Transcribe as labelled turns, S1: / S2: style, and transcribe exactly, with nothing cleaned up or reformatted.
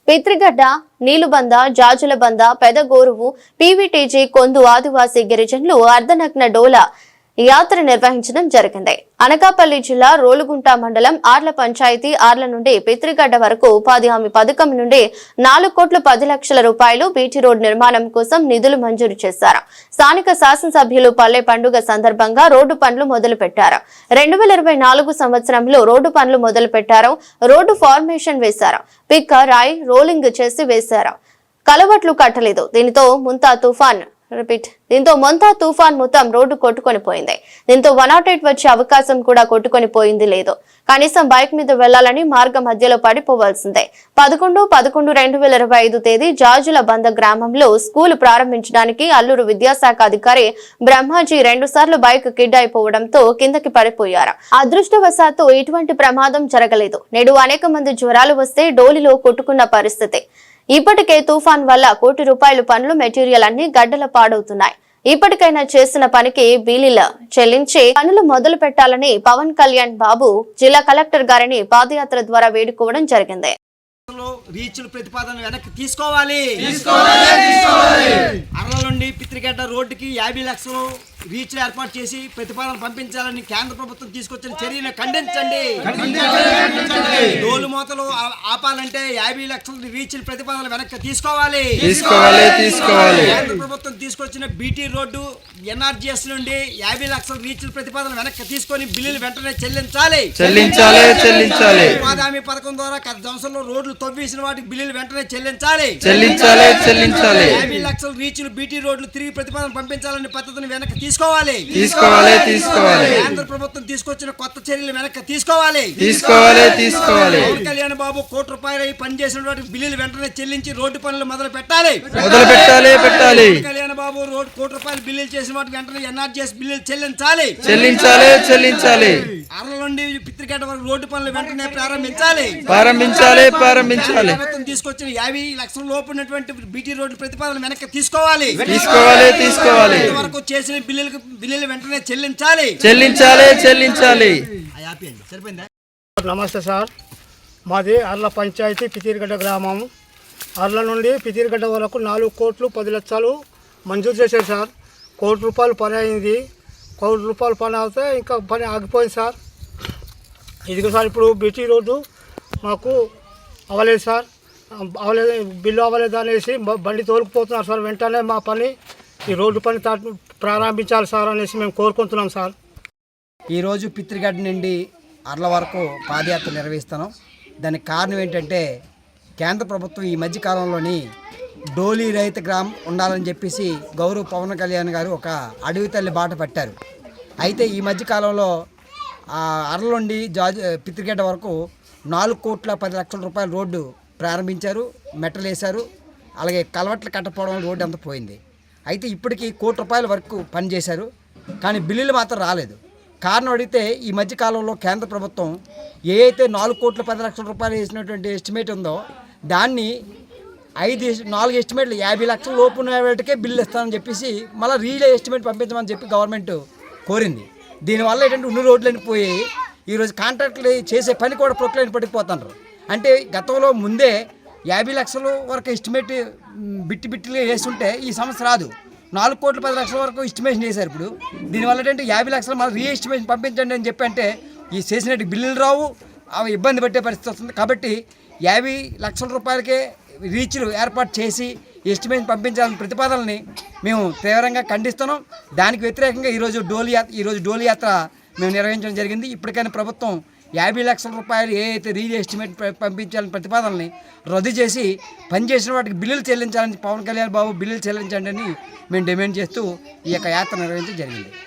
S1: పిత్రిగడ్డ, నీలుబంద, జాజులబంద, పెదగోరువు, PVTG, కొందు ఆదివాసీ గిరిజనులు అర్ధనగ్న డోల యాత్ర నిర్వహించడం జరిగింది. అనకాపల్లి జిల్లా రోలుగుంట మండలం ఆర్ల పంచాయతీ ఆర్ల నుండి పిత్రిగడ్డ వరకు ఉపాధి హామీ పథకం నుండి నాలుగు కోట్ల పది లక్షల రూపాయలు బీటీ రోడ్ నిర్మాణం కోసం నిధులు మంజూరు చేశారు. స్థానిక శాసనసభ్యులు పల్లె పండుగ సందర్భంగా రోడ్డు పనులు మొదలు పెట్టారు. రెండు వేల ఇరవై నాలుగు సంవత్సరంలో రోడ్డు పనులు మొదలు పెట్టారు. రోడ్డు ఫార్మేషన్ వేశారు. పిక్క రాయి రోలింగ్ చేసి వేశారు. కలవట్లు కట్టలేదు. దీనితో ముంతా తుఫాన్ రిపీట్ దీంతో మొంతా తుఫాన్ మొత్తం రోడ్డు కొట్టుకొని పోయింది. దీంతో వన్ నాట్ ఎయిట్ వచ్చే అవకాశం కూడా కొట్టుకొని పోయింది లేదు. కనీసం బైక్ మీద వెళ్లాలని మార్గ మధ్యలో పడిపోవాల్సిందే. పదకొండు పదకొండు రెండు వేల ఇరవై ఐదు తేదీ జాజుల బంద గ్రామంలో స్కూల్ ప్రారంభించడానికి అల్లూరు విద్యాశాఖ అధికారి బ్రహ్మాజీ రెండు సార్లు బైక్ కిడ్ అయిపోవడంతో కిందకి పడిపోయారు. అదృష్టవశాత్తు ఇటువంటి ప్రమాదం జరగలేదు. నేడు అనేక మంది జ్వరాలు వస్తే డోలిలో కొట్టుకున్న పరిస్థితి. ఇప్పటికే తుఫాన్ వల్ల కోటి రూపాయల పనులు మెటీరియల్ అన్ని గడ్డల పాడవుతున్నాయి. ఇప్పటికైనా చేసిన పనికి బిల్లులు చెల్లించి పనులు మొదలు పెట్టాలని పవన్ కళ్యాణ్ బాబు జిల్లా కలెక్టర్ గారిని పాదయాత్ర ద్వారా వేడుకోవడం జరిగింది.
S2: రీచ్లు ప్రతిపాదన వెనక్కి తీసుకోవాలి. అరల నుండి పిత్రిగడ్డ రోడ్డుకి యాభై లక్షలు రీచ్లు ఏర్పాటు చేసి ప్రతిపాదన పంపించాలని కేంద్ర ప్రభుత్వం తీసుకొచ్చిన చర్యను ఖండించండి. డోలు మోతలు ఆపాలంటే యాభై లక్షల రీచ్లు ప్రతిపాదన వెనక్కి తీసుకోవాలి. కేంద్ర ప్రభుత్వం తీసుకొచ్చిన బీటీ రోడ్డు ఎన్ఆర్జీఎస్ నుండి యాభై లక్షల రీచ్ల ప్రతిపాదన వెనక్కి తీసుకొని బిల్లులు వెంటనే చెల్లించాలి. ఉపాధి హామీ పథకం ద్వారా గత సంవత్సరంలో రోడ్లు తవ్వేసిన వాటికి బిల్లులు వెంటనే చెల్లించాలి. యాభై లక్షల రీచ్లు బీటీ రోడ్లు తిరిగి ప్రతిపాదన పంపించాలని పద్ధతిని వెనక్కి తీసుకోవాలి. కేంద్ర ప్రభుత్వం తీసుకొచ్చిన కొత్త చర్యలు వెనక్కి తీసుకోవాలి. పవన్ కళ్యాణ్ బాబు కోటి రూపాయలు పనిచేసిన వాటికి బిల్లులు వెంటనే చెల్లించి రోడ్డు పనులు మొదలు పెట్టాలి. పవన్ కళ్యాణ్ బాబు రోడ్డు కోటి రూపాయలు బిల్లులు చేసిన వాటికి వెంటనే ఎన్ఆర్జీఎస్ బిల్లులు చెల్లించాలి. అరల నుండి పిత్రిగడ్డ వరకు రోడ్డు పనులు వెంటనే ప్రారంభించాలి. ప్రభుత్వం తీసుకొచ్చిన యాభై లక్షల లోపు ఉన్నటువంటి బీటీ రోడ్డు ప్రతిపాదన వెనక్కి తీసుకోవాలి. వరకు చేసిన బిల్లులకు బిల్లులు వెంటనే చెల్లించాలి.
S3: నమస్తే సార్, మాది అర్ల పంచాయతీ పితిరిగడ్డ గ్రామం. అర్ల నుండి పితిరిగడ్డ వరకు నాలుగు కోట్లు పది లక్షలు మంజూరు చేశారు సార్. కోటి రూపాయలు పని అయింది. కోటి రూపాయలు పని అవుతే ఇంకా పని ఆగిపోయింది సార్. ఇదిగో సార్, ఇప్పుడు బీటీ రోడ్డు మాకు అవ్వలేదు సార్. అవ్వలేదు, బిల్లు అవ్వలేదు అనేసి బండి తోలుకుపోతున్నారు సార్. వెంటనే మా పని ఈ రోడ్డు పని ప్రారంభించాలి సార్ అనేసి మేము కోరుకుంటున్నాం సార్.
S2: ఈరోజు పిత్రిగడ్డ నుండి అర్ల వరకు పాదయాత్ర నిర్వహిస్తున్నాం. దానికి కారణం ఏంటంటే కేంద్ర ప్రభుత్వం ఈ మధ్య కాలంలోని డోలీ రహిత గ్రామం ఉండాలని చెప్పేసి గౌరవ పవన్ కళ్యాణ్ గారు ఒక అడవి తల్లి బాట పట్టారు. అయితే ఈ మధ్య కాలంలో అర్ల నుండి జాజ్ పిత్రిగడ్డ వరకు నాలుగు కోట్ల పది లక్షల రూపాయల రోడ్డు ప్రారంభించారు, మెట్టలు వేశారు. అలాగే కలవట్లు కట్టపోవడం రోడ్డు అంతా పోయింది. అయితే ఇప్పటికీ కోటి రూపాయల వరకు పనిచేశారు, కానీ బిల్లులు మాత్రం రాలేదు. కారణం అడిగితే ఈ మధ్యకాలంలో కేంద్ర ప్రభుత్వం ఏ అయితే నాలుగు కోట్ల పది లక్షల రూపాయలు వేసినటువంటి ఎస్టిమేట్ ఉందో దాన్ని ఐదు నాలుగు ఎస్టిమేట్లు యాభై లక్షల లోపు వాటికే బిల్లు ఇస్తామని చెప్పేసి మళ్ళీ రీలే ఎస్టిమేట్ పంపించమని చెప్పి గవర్నమెంట్ కోరింది. దీనివల్ల ఏంటంటే ఉన్ని రోడ్లని పోయి ఈరోజు కాంట్రాక్టులు చేసే పని కూడా ప్రొక్లైన్ పడిపోతున్నారు. అంటే గతంలో ముందే యాభై లక్షల వరకు ఎస్టిమేట్ బిట్టి బిట్టిగా వేస్తుంటే ఈ సమస్య రాదు. నాలుగు కోట్ల పది లక్షల వరకు ఎస్టిమేషన్ చేశారు. ఇప్పుడు దీనివల్ల ఏంటంటే యాభై లక్షలు మళ్ళీ రీ ఎస్టిమేషన్ పంపించండి అని చెప్పి అంటే ఈ చేసినట్టు బిల్లులు రావు, అవి ఇబ్బంది పెట్టే పరిస్థితి వస్తుంది. కాబట్టి యాభై లక్షల రూపాయలకే రీచ్లు ఏర్పాటు చేసి ఎస్టిమేషన్ పంపించాలని ప్రతిపాదనని మేము తీవ్రంగా ఖండిస్తున్నాం. దానికి వ్యతిరేకంగా ఈరోజు డోలి యాత్ర ఈరోజు డోలి యాత్ర మేము నిర్వహించడం జరిగింది. ఇప్పటికైనా ప్రభుత్వం యాభై లక్షల రూపాయలు ఏ అయితే రీ ఎస్టిమేట్ పంపించాలని ప్రతిపాదనని రద్దు చేసి పనిచేసిన వాటికి బిల్లులు చెల్లించాలని పవన్ కళ్యాణ్ బాబు బిల్లులు చెల్లించండి అని మేము డిమాండ్ చేస్తూ ఈ యొక్క యాత్ర నిర్వహించడం జరిగింది.